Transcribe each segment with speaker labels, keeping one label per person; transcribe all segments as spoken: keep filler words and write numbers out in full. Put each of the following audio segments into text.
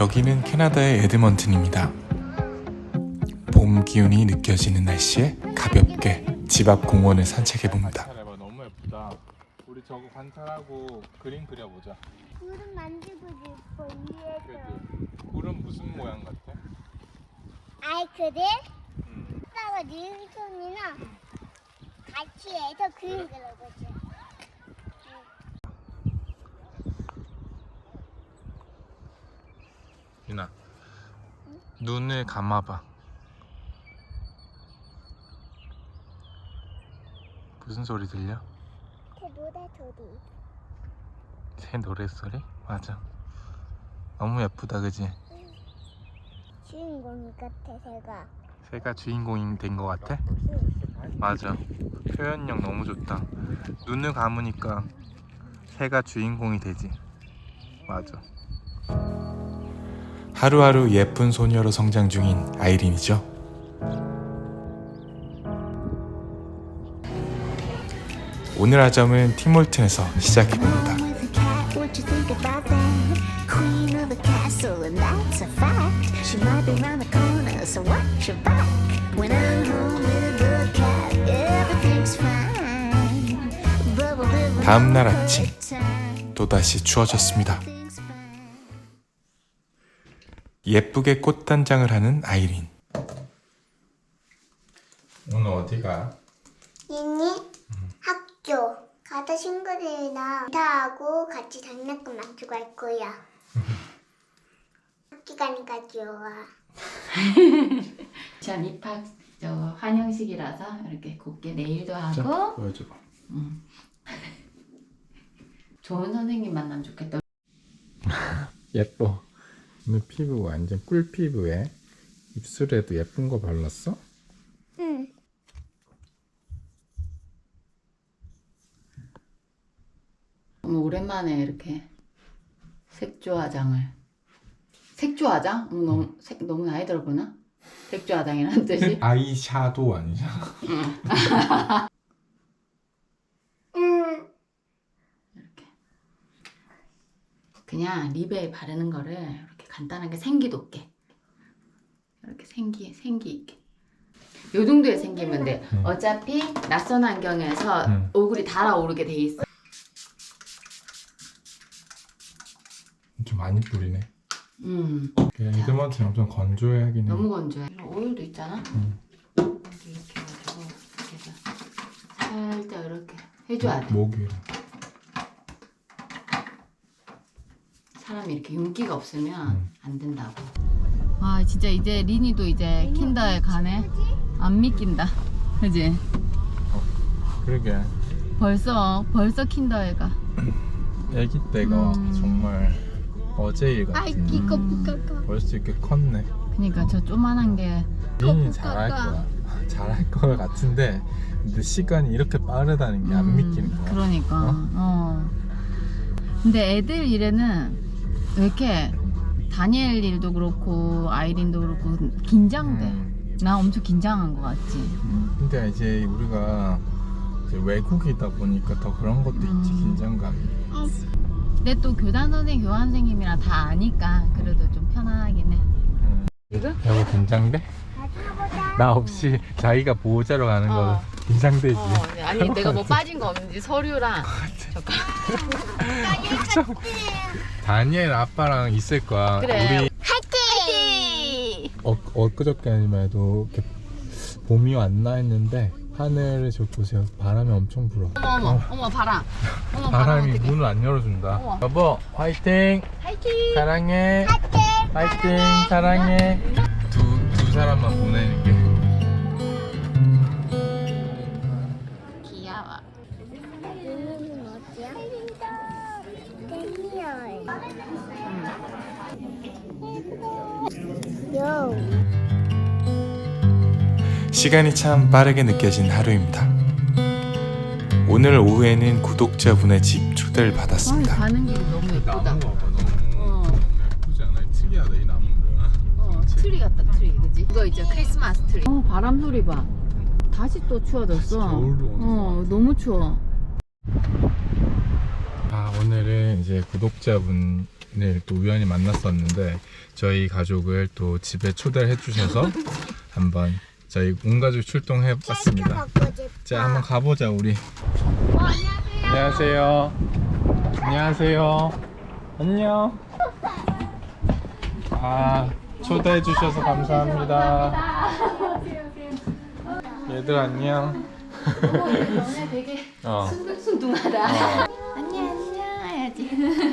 Speaker 1: 여기는 캐나다의 에드먼튼입니다. 봄 기운이 느껴지는 날씨에 가볍게 집 앞 공원을 산책해봅니다.
Speaker 2: 너무 예쁘다. 우리 저거 관찰하고 그림 그려보자.
Speaker 3: 구름 만들고 싶어 위에서.
Speaker 2: 그래도 굴은 무슨 모양 같아?
Speaker 3: 아이 그래?
Speaker 2: 음.
Speaker 3: 아빠가 니은손이나 같이 해서 그림 그려보자.
Speaker 2: 유나, 눈을 감아봐. 무슨 소리 들려?
Speaker 3: 그 노래 소리.
Speaker 2: 새 노래소리? 맞아. 너무 예쁘다, 그지?
Speaker 3: 주인공 같아 새가.
Speaker 2: 새가 주인공이 된 것 같아?
Speaker 3: 응.
Speaker 2: 맞아. 표현력 너무 좋다. 눈을 감으니까 새가 주인공이 되지. 맞아.
Speaker 1: 하루하루 예쁜 소녀로 성장 중인 아이린이죠. 오늘 아점은 팀홀튼에서 시작해봅니다. 다음날 아침 또다시 추워졌습니다. 예쁘게 꽃단장을 하는 아이린.
Speaker 2: 오늘 어디 가?
Speaker 3: 니니 학교 가다 친구들이랑 인사하고 같이 장난감 만지고 갈 거야. 학교 가니까 좋아.
Speaker 4: 전 입학 저 환영식이라서 이렇게 곱게 네일도 하고.
Speaker 2: 보여줘봐.
Speaker 4: 음. 좋은 선생님 만나면 좋겠다.
Speaker 2: 예뻐. 오늘 피부 완전 꿀 피부에 입술에도 예쁜 거 발랐어?
Speaker 3: 응.
Speaker 4: 너무 오랜만에 이렇게 색조 화장을. 색조 화장? 어, 너무 색 너무 나이 들어 보나? 색조 화장이라는 뜻이?
Speaker 2: 아이샤도우 아니잖아.
Speaker 3: 응.
Speaker 4: 이렇게 그냥 립에 바르는 거를 이렇게 간단하게 생기 돋게 이렇게 생기 생기 있게 요 정도의 생기면 돼.
Speaker 2: 음.
Speaker 4: 어차피 낯선 환경에서
Speaker 2: 음.
Speaker 4: 얼굴이 달아오르게 돼 있어.
Speaker 2: 좀 많이 뿌리네.
Speaker 4: 음.
Speaker 2: 그냥 이드먼트는 엄청 건조하긴 해.
Speaker 4: 너무 건조해. 오일도 있잖아.
Speaker 2: 음.
Speaker 4: 이렇게 이렇게 해가지고 이렇게 해서 살짝 이렇게 해줘야 돼.
Speaker 2: 목이.
Speaker 4: 사람이 이렇게 윤기가 없으면
Speaker 2: 음.
Speaker 4: 안 된다고. 아 진짜 이제 리니도 이제 킨더에 가네. 안 믿긴다. 그지?
Speaker 2: 그러게.
Speaker 4: 벌써 벌써 킨더에 가.
Speaker 2: 아기 때가
Speaker 4: 음.
Speaker 2: 정말 어제 일 같아.
Speaker 3: 아이기 거북가가.
Speaker 2: 벌써 이렇게 컸네.
Speaker 4: 그니까 저 조만한 게
Speaker 2: 리니 잘할 거야. 잘할 거 같은데 근데 시간이 이렇게 빠르다는 게 안
Speaker 4: 음,
Speaker 2: 믿기는 거야.
Speaker 4: 그러니까.
Speaker 2: 어?
Speaker 4: 어? 근데 애들 일에는 왜 이렇게 다니엘 일도 그렇고 아이린도 그렇고 긴장돼.
Speaker 2: 음.
Speaker 4: 나 엄청 긴장한 거 같지.
Speaker 2: 근데 이제 우리가 이제 외국이다 보니까 더 그런 것도
Speaker 4: 음.
Speaker 2: 있지. 긴장감이.
Speaker 4: 근데 또 교단 선생, 교환 선생님이랑 다 아니까 그래도 좀 편안하긴 해.
Speaker 2: 음.
Speaker 4: 지금?
Speaker 2: 여보 긴장돼?
Speaker 3: 가보자.
Speaker 2: 나 없이 자기가 보호자로 가는 거
Speaker 4: 어.
Speaker 2: 긴장되지.
Speaker 4: 어, 아니 내가 뭐 빠진 거 없는지 서류랑 잠깐.
Speaker 2: 다니엘 아빠랑 있을 거야.
Speaker 4: 그래.
Speaker 2: 우리
Speaker 4: 화이팅!
Speaker 2: 어, 엊그저께만 해도 이렇게 봄이 왔나 했는데 하늘을 저 보세요. 바람이 엄청 불어.
Speaker 4: 어머 어머 어머 바람. 어머 바람
Speaker 2: 바람이
Speaker 4: 어떡해.
Speaker 2: 문을 안 열어준다.
Speaker 4: 어머.
Speaker 2: 여보 화이팅!
Speaker 4: 화이팅!
Speaker 2: 사랑해. 화이팅! 사랑해. 두, 두 사람만 보내는 게.
Speaker 4: 귀여워.
Speaker 3: 니니는 어디야? 데니얼. 요.
Speaker 1: 시간이 참 빠르게 느껴진 하루입니다. 오늘 오후에는 구독자분의 집 초대를 받았습니다.
Speaker 4: 가는 길이 너무 예쁘다.
Speaker 2: 나무가 봐. 너무,
Speaker 4: 어.
Speaker 2: 너무 예쁘지 않아? 특이하다 이 나무가.
Speaker 4: 어, 트리 같다 트리 그지? 이거 있죠 크리스마스 트리. 어 바람 소리 봐. 다시 또 추워졌어.
Speaker 2: 겨울로 오는
Speaker 4: 어 너무 추워.
Speaker 2: 아 오늘은 이제 구독자분 네, 또 우연히 만났었는데 저희 가족을 또 집에 초대를 해주셔서 한번 저희 온 가족 출동해봤습니다. 자, 한번 가보자 우리. 안녕하세요. 안녕하세요. 안녕. 아, 초대해 주셔서 감사합니다. 얘들 안녕.
Speaker 4: 너네 되게
Speaker 2: 어.
Speaker 4: 순둥순둥하다.
Speaker 2: 어.
Speaker 4: 안녕 안녕 해야지.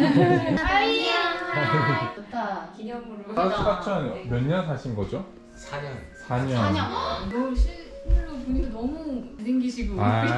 Speaker 4: 좋다. 기념으로.
Speaker 2: 사수가천 몇 년 사신 거죠?
Speaker 5: 사 년.
Speaker 2: 사 년.
Speaker 4: 사 년.
Speaker 6: 너 실물로 보니까 너무 잘생기시고
Speaker 2: 아이,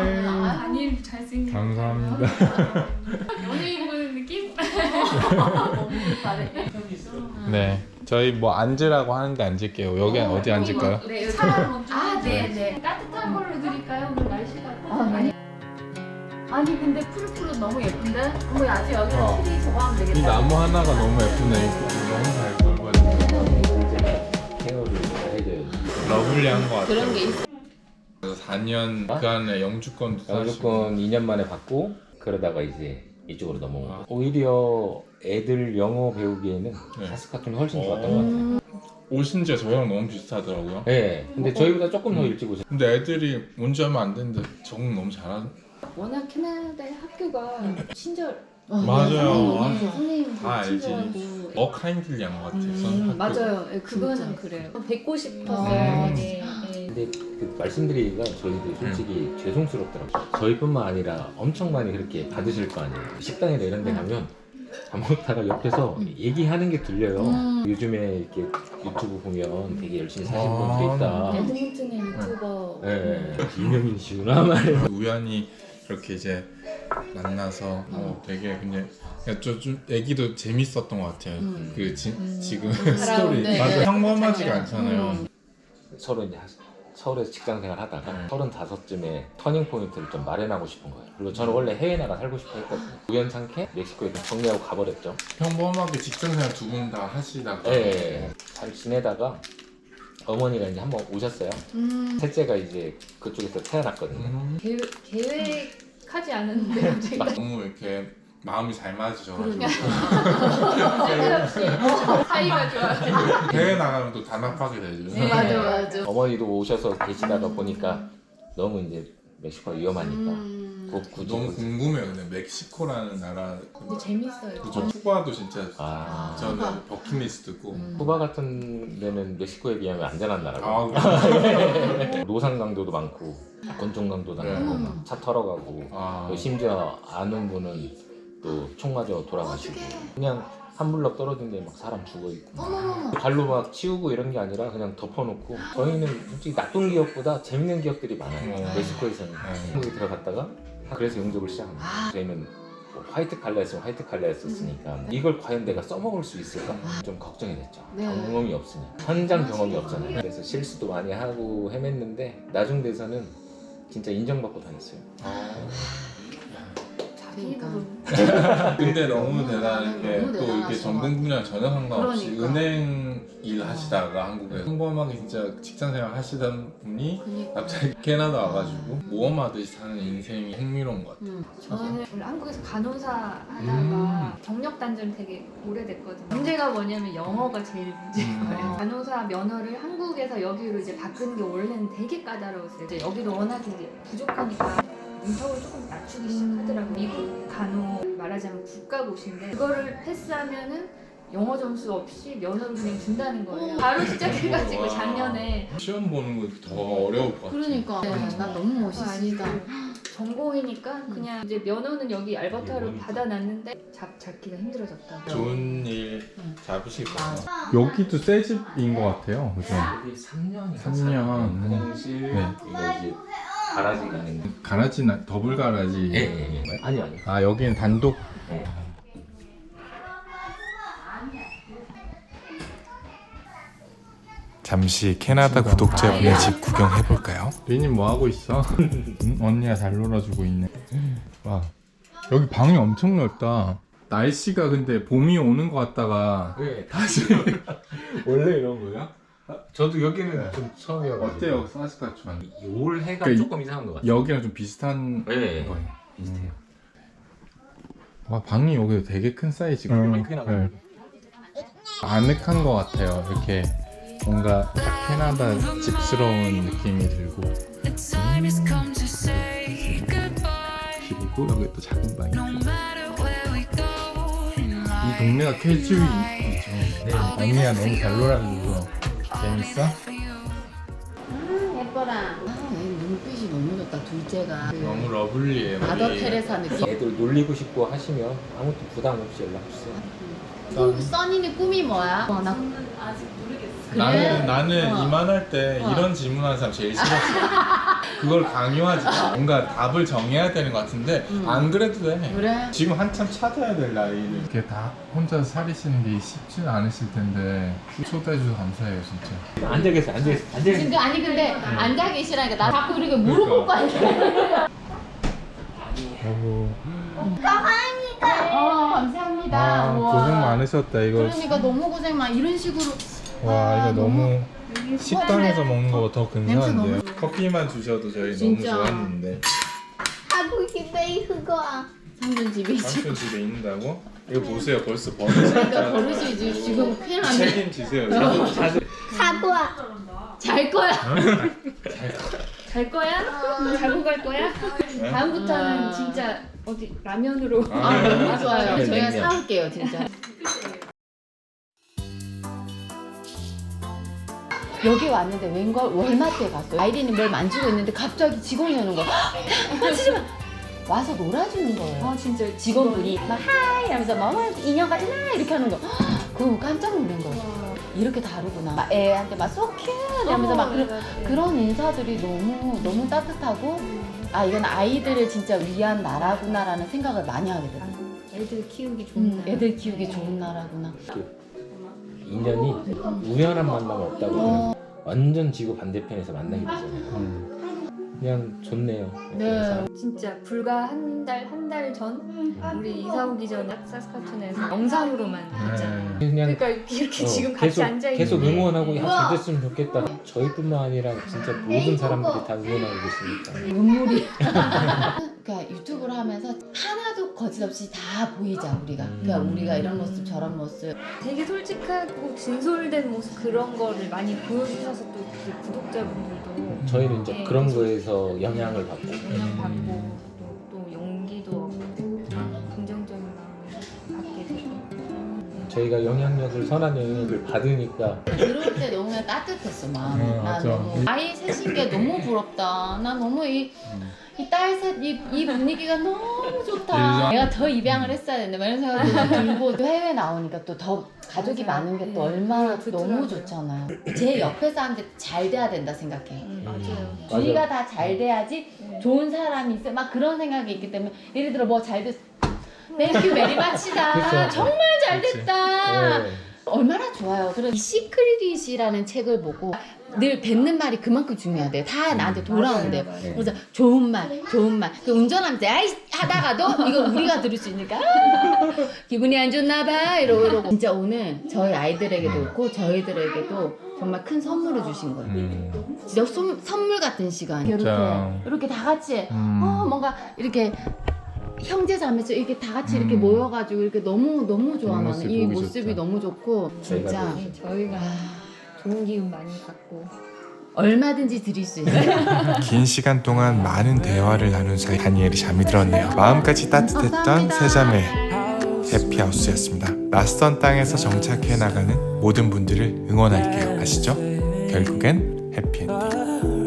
Speaker 6: 아니 잘생기고
Speaker 2: 감사합니다.
Speaker 6: 연예인 보는 느낌?
Speaker 4: 너무 잘해.
Speaker 2: 네, 저희 뭐 앉으라고 하는데 앉을게요. 여기 어디 앉을까요?
Speaker 6: 네, 사람 먼저.
Speaker 4: 아, 네, 네.
Speaker 6: 따뜻한 걸로 드릴까요? 오늘 날씨가.
Speaker 4: 아, 네. 아니 근데 푸릇푸릇 너무 예쁜데? 그럼 아직 여기는
Speaker 2: 어.
Speaker 4: 트리 저거 하면 되겠다.
Speaker 2: 이 나무 하나가 너무 예쁘네. 이거 너무 잘 걸거든요.
Speaker 5: 케어를 해줘요.
Speaker 2: 러블리한 것 같아요.
Speaker 4: 그런 게 있어.
Speaker 2: 그래서 사 년 그 안에 영주권도 사시고.
Speaker 5: 영주권 이 년 만에 받고 그러다가 이제 이쪽으로 넘어온 거. 오히려 애들 영어 배우기에는
Speaker 2: 네.
Speaker 5: 사스카톤이 훨씬 좋았던
Speaker 2: 어.
Speaker 5: 것 같아요.
Speaker 2: 오신 지 저희랑 너무 비슷하더라고요.
Speaker 5: 네, 근데 저희보다 조금 더 일찍 오셨어요.
Speaker 2: 근데 애들이 온 지 얼마 안 됐는데 적응 너무 잘하는.
Speaker 6: 워낙 캐나다의 학교가 친절.
Speaker 2: 맞아요. 아,
Speaker 6: 선생님
Speaker 2: 다 알지.
Speaker 6: 친절하고.
Speaker 2: 어 카인들리한 것 같아요.
Speaker 6: 음,
Speaker 2: 학교.
Speaker 6: 맞아요. 예, 그거는
Speaker 4: 진짜.
Speaker 6: 그래요. 뵙고 싶었어요.
Speaker 2: 음.
Speaker 6: 네, 네.
Speaker 5: 근데 그 말씀드리기가 저희도 솔직히 죄송스럽더라고요. 저희뿐만 아니라 엄청 많이 그렇게 받으실 거 아니에요. 식당이나 이런 데 가면 밥 먹다가 옆에서 얘기하는 게 들려요.
Speaker 4: 음.
Speaker 5: 요즘에 이렇게 유튜브 보면 되게 열심히 사시는
Speaker 2: 아.
Speaker 5: 분들이 있다.
Speaker 6: 에드먼튼의 유튜버.
Speaker 5: 네, 유명인이시구나 말이에요.
Speaker 2: 우연히 이렇게 이제 만나서 어, 되게 그냥 좀, 좀 애기도 재밌었던 것 같아요.
Speaker 4: 음.
Speaker 2: 그 지,
Speaker 6: 음.
Speaker 2: 지금
Speaker 4: 살아온,
Speaker 2: 스토리
Speaker 4: 네,
Speaker 2: 맞아
Speaker 4: 네.
Speaker 2: 평범하지가
Speaker 4: 맞아요.
Speaker 2: 않잖아요.
Speaker 4: 음.
Speaker 5: 서로 이제 서울에서 직장 생활 하다가
Speaker 2: 음.
Speaker 5: 서른다섯쯤에 터닝 포인트를 좀 마련하고 싶은 거예요. 그리고 저는 원래 해외 나가 살고 싶어 했거든요. 우연찮게 멕시코에 좀 정리하고 가버렸죠.
Speaker 2: 평범하게 직장생활 두 분 다 하시다가
Speaker 5: 예, 잘 지내다가 어머니가 이제 한번 오셨어요.
Speaker 4: 음.
Speaker 5: 셋째가 이제 그쪽에서 태어났거든요.
Speaker 2: 음,
Speaker 6: 계획, 계획하지 않았는데 갑자기
Speaker 2: 너무 이렇게 마음이 잘 맞으셔가지고
Speaker 6: 쓸데없이 사이가 좋아요.
Speaker 2: 해외 나가면 또 단합하게 되죠.
Speaker 6: 네.
Speaker 4: 맞아 맞아.
Speaker 5: 어머니도 오셔서 계시다가 보니까 너무 이제 멕시코가 위험하니까
Speaker 4: 음.
Speaker 5: 그 굳이
Speaker 2: 너무
Speaker 5: 굳이.
Speaker 2: 궁금해요. 근데 멕시코라는 나라
Speaker 6: 근데 재밌어요.
Speaker 2: 그죠? 쿠바도 진짜
Speaker 5: 아,
Speaker 2: 저는 버킷리스트고
Speaker 4: 음.
Speaker 5: 쿠바 같은 데는 멕시코에 비하면 안전한 나라고.
Speaker 2: 아 그래요?
Speaker 5: 노상 강도도 많고 권총 강도도
Speaker 2: 네.
Speaker 5: 많고 막차 털어가고
Speaker 2: 아,
Speaker 5: 또 심지어 아는 분은 또 총 맞아 돌아가시고 그냥 한 블럭 떨어진 데 막 사람 죽어 있고
Speaker 4: 어머머머.
Speaker 5: 발로 막 치우고 이런 게 아니라 그냥 덮어놓고 저희는 솔직히 나쁜 기억보다 재밌는 기억들이 많아요.
Speaker 2: 어.
Speaker 5: 멕시코에서는
Speaker 2: 네.
Speaker 5: 한국에 들어갔다가 그래서 영접을 시작합니다.
Speaker 4: 아.
Speaker 5: 저희는 뭐 화이트 칼라였으면 화이트 칼라였었으니까 이걸 과연 내가 써먹을 수 있을까 좀 걱정이 됐죠.
Speaker 4: 네.
Speaker 5: 경험이 없으니까 현장 경험이 없잖아요. 그래서 실수도 많이 하고 헤맸는데 나중 돼서는 진짜 인정받고 다녔어요.
Speaker 2: 아.
Speaker 4: 그러니까.
Speaker 2: 근데 너무 대단한 게
Speaker 4: 너무
Speaker 2: 또 이렇게
Speaker 4: 대단하시다.
Speaker 2: 전공 분야 전혀 상관없이
Speaker 4: 그러니까.
Speaker 2: 은행 일 하시다가 한국에 평범하게 진짜 직장생활 하시던 분이
Speaker 4: 그니까.
Speaker 2: 갑자기 캐나다 와가지고 모험하듯이 사는 인생이 흥미로운 것 같아요.
Speaker 4: 음.
Speaker 6: 저는 원래 한국에서 간호사 하다가
Speaker 2: 음.
Speaker 6: 경력 단절이 되게 오래됐거든요. 문제가 뭐냐면 영어가 제일 문제인
Speaker 2: 음.
Speaker 6: 거예요. 간호사 면허를 한국에서 여기로 이제 바꾸는 게 원래는 되게 까다로웠어요. 이제 여기도 워낙 이제 부족하니까 인턱을 조금 낮추기 시작하더라고요. 미국 간호 말하자면 국가고시인데 그거를 패스하면은 영어 점수 없이 면허를 그냥 준다는 거예요. 바로 시작해가지고
Speaker 2: 와.
Speaker 6: 작년에
Speaker 2: 시험 보는 거 더 어려울 것 같아요.
Speaker 4: 그러니까. 네, 나 너무 멋있으시다.
Speaker 6: 전공이니까 그냥 이제 면허는 여기 알버타로 받아놨는데 잡 잡기가 힘들어졌다.
Speaker 2: 좋은 일
Speaker 4: 응.
Speaker 2: 잡으실 거예요.
Speaker 4: 맞아.
Speaker 2: 여기도 새 집인 것 같아요. 그죠?
Speaker 5: 여기 삼 년이
Speaker 2: 삼 년.
Speaker 5: 화장실
Speaker 2: 네.
Speaker 5: 이거 이제 가라지가 있는
Speaker 2: 가라지나 더블 가라지.
Speaker 5: 예, 예, 예. 아니 아니
Speaker 2: 아 여기는 단독.
Speaker 5: 예.
Speaker 1: 잠시 캐나다 구독자분의 집 구경해볼까요?
Speaker 2: 리님 뭐 하고 있어? 응? 언니가 잘 놀아주고 있네. 와 여기 방이 엄청 넓다. 날씨가 근데 봄이 오는 것 같다가
Speaker 5: 네,
Speaker 2: 다시 원래 이런 거야?
Speaker 5: 저도 여기는 좀 처음이어가지고
Speaker 2: 어때요 사스카추안?
Speaker 5: 올 해가
Speaker 2: 그러니까
Speaker 5: 조금 이상한 것 같아요.
Speaker 2: 여기랑 좀 비슷한
Speaker 5: 네,
Speaker 2: 거예요.
Speaker 5: 비슷해요.
Speaker 2: 와, 방이 여기 되게 큰 사이즈고.
Speaker 5: 음, 크게 나와요.
Speaker 2: 아늑한 것 같아요. 이렇게 뭔가 딱 캐나다 집스러운 느낌이 들고. 음. 그리고 여기 또 작은 방이 있고. 이 동네가 캐주얼이죠. 네. 언니가 너무 잘 놀아주고 재밌어?
Speaker 4: 예뻐라. 아, 얘 눈빛이 너무 좋다. 둘째가
Speaker 2: 너무 러블리해요.
Speaker 4: 마더
Speaker 2: 우리.
Speaker 4: 테레사 느낌.
Speaker 5: 애들 놀리고 싶고 하시면 아무것도 부담 없이 연락 주세요.
Speaker 4: 꾸- 써니는 꿈이 뭐야? 어, 나
Speaker 2: 나는 나는
Speaker 4: 어.
Speaker 2: 이만할 때
Speaker 4: 어.
Speaker 2: 이런 질문하는 사람 제일 싫었어. 그걸 강요하지 마. 뭔가 답을 정해야 되는 것 같은데
Speaker 4: 음.
Speaker 2: 안 그래도 돼.
Speaker 4: 그래?
Speaker 2: 지금 한참 찾아야 될 나이를. 이렇게 다 혼자 살이시는 게 쉽지는 않으실 텐데 초대해 주셔서 감사해요 진짜.
Speaker 5: 앉아 계세요. 앉아 계세요. 앉아 계세요.
Speaker 4: 근데 아니 근데 앉아 계시라니까 나 자꾸 이렇게 무릎 꿇고 앉아.
Speaker 2: 어우.
Speaker 4: 어 감사합니다.
Speaker 2: 아,
Speaker 4: 우와.
Speaker 2: 고생 많으셨다 이거.
Speaker 4: 그러니까 너무 고생 많. 이런 식으로.
Speaker 2: 와
Speaker 4: 아,
Speaker 2: 이거 너무 식당에서 먹는 거보다 더
Speaker 4: 냄새
Speaker 2: 근사한데요.
Speaker 4: 너무-
Speaker 2: 커피만 주셔도 저희
Speaker 4: 진짜.
Speaker 2: 너무 좋았는데.
Speaker 3: 하고 싶어 그거.
Speaker 4: 삼촌 집에 있지.
Speaker 2: 삼촌 집에 있는다고? 이거 보세요 벌써 버릇이
Speaker 4: 그러니까 버릇이 지- 지금 큰일 났네.
Speaker 2: 책임지세요. 자주 자주.
Speaker 3: 사과.
Speaker 4: 잘 거야.
Speaker 6: 갈 거야? 자고 갈 거야? 다음부터는
Speaker 4: 아.
Speaker 6: 진짜 어디 라면으로.
Speaker 2: 아,
Speaker 4: 아 너무 좋아요.
Speaker 5: 네,
Speaker 4: 저희가
Speaker 5: 냉면.
Speaker 4: 사올게요 진짜. 여기 왔는데 웬걸 월마트에 갔어요. 아이린이 뭘 만지고 있는데 갑자기 직원이 오는 거야. 만지지 마. 와서 놀아주는 거예요.
Speaker 6: 아 진짜
Speaker 4: 직원분이 막 하이 하면서 막 어, 인형 같잖아 이렇게 하는 거. 그거 깜짝 놀란 거예요. 이렇게 다르구나. 막 애한테 막 so cute 하면서 막 그런, 그런 인사들이 너무 너무 따뜻하고 아 이건 아이들을 진짜 위한 나라구나라는 생각을 많이 하게 되더라고요.
Speaker 6: 애들 키우기 좋은
Speaker 4: 음,
Speaker 6: 나라.
Speaker 4: 애들 키우기 좋은 나라구나.
Speaker 5: 인연이 우연한 만남 없다고
Speaker 4: 어.
Speaker 5: 해요. 완전 지구 반대편에서 만나게 되잖아요. 그냥 좋네요.
Speaker 4: 네.
Speaker 5: 그래서
Speaker 6: 진짜 불과 한 달 한 달 전 우리 이사 오기 전에 사스카툰에서 영상으로만 봤잖아요.
Speaker 2: 네.
Speaker 5: 그냥
Speaker 6: 그러니까 이렇게
Speaker 5: 어,
Speaker 6: 지금 같이
Speaker 5: 계속,
Speaker 6: 앉아 있는데
Speaker 5: 계속 응원하고 야,
Speaker 4: 우와.
Speaker 5: 잘 됐으면 좋겠다. 저희뿐만 아니라 진짜 모든 사람들이 다 응원하고 계시니까.
Speaker 4: 눈물이. 그러니까 유튜브를 하면서 하나도 거짓없이 다 보이자 우리가. 그러니까
Speaker 5: 음.
Speaker 4: 우리가 이런 모습 저런 모습.
Speaker 6: 되게 솔직하고 진솔된 모습 그런 거를 많이 보여주셔서 또 그 구독자분들도
Speaker 5: 저희는 이제
Speaker 6: 네,
Speaker 5: 그런
Speaker 6: 계속
Speaker 5: 거에서 영향을 받고
Speaker 6: 영향받고 또, 또 용기도 얻고 긍정적인 마음을 갖게 되고
Speaker 5: 저희가 영향력을 선한 영향력을 받으니까
Speaker 4: 들어올 때 너무 따뜻했어 마음이.
Speaker 2: 어,
Speaker 4: 나
Speaker 2: 맞아.
Speaker 4: 너무 아이 셋인 게 너무 부럽다. 나 너무 이 이 딸 셋 이 이 분위기가 너무 좋다. 내가 더 입양을 했어야 되는데 막 이런 생각도 들고 또 해외 나오니까 또 더 가족이
Speaker 6: 맞아요.
Speaker 4: 많은 게 또
Speaker 6: 네.
Speaker 4: 얼마나
Speaker 6: 네,
Speaker 4: 너무
Speaker 6: 좋더라고요.
Speaker 4: 좋잖아요. 제 옆에 사람들 잘 돼야 된다 생각해요.
Speaker 6: 음, 맞아요.
Speaker 4: 주위가 다 잘 돼야지
Speaker 6: 네.
Speaker 4: 좋은 사람이 있어. 막 그런 생각이 있기 때문에 예를 들어 뭐 잘 됐. 땡큐 메리 마치다.
Speaker 5: 그렇죠.
Speaker 4: 정말 잘
Speaker 2: 그치.
Speaker 4: 됐다.
Speaker 5: 네.
Speaker 4: 얼마나 좋아요. 그래서 이 시크릿이라는 책을 보고 늘 뱉는 말이 그만큼 중요하대요. 다 나한테 돌아온대요.
Speaker 6: 맞아요,
Speaker 5: 맞아요.
Speaker 4: 그래서 좋은 말, 좋은 말. 그 운전하면서 아이 하다가도 이거 우리가 들을 수 있으니까 아, 기분이 안 좋나 봐 이러고 이러고. 진짜 오늘 저희 아이들에게도 그렇고 저희들에게도 정말 큰 선물을 주신 거예요.
Speaker 2: 음.
Speaker 4: 진짜 선, 선물 같은 시간. 이렇게
Speaker 2: 진짜.
Speaker 4: 이렇게 다 같이
Speaker 2: 음.
Speaker 4: 어 뭔가 이렇게 형제 자매서 이렇게 다 같이 이렇게
Speaker 2: 음.
Speaker 4: 모여가지고 이렇게 너무 너무 좋아.
Speaker 2: 이
Speaker 4: 나는
Speaker 2: 모습
Speaker 4: 이
Speaker 2: 보기
Speaker 4: 모습이
Speaker 2: 좋다.
Speaker 4: 너무 좋고
Speaker 5: 저희가
Speaker 4: 진짜
Speaker 6: 네, 저희가
Speaker 4: 아,
Speaker 6: 좋은 기운 많이 갖고
Speaker 4: 얼마든지 드릴 수 있어요.
Speaker 1: 긴 시간 동안 많은 대화를 나눈 사이 다니엘이 잠이 들었네요. 마음까지 따뜻했던 세 자매 해피하우스였습니다. 낯선 땅에서 정착해 나가는 모든 분들을 응원할게요. 아시죠? 결국엔 해피엔딩.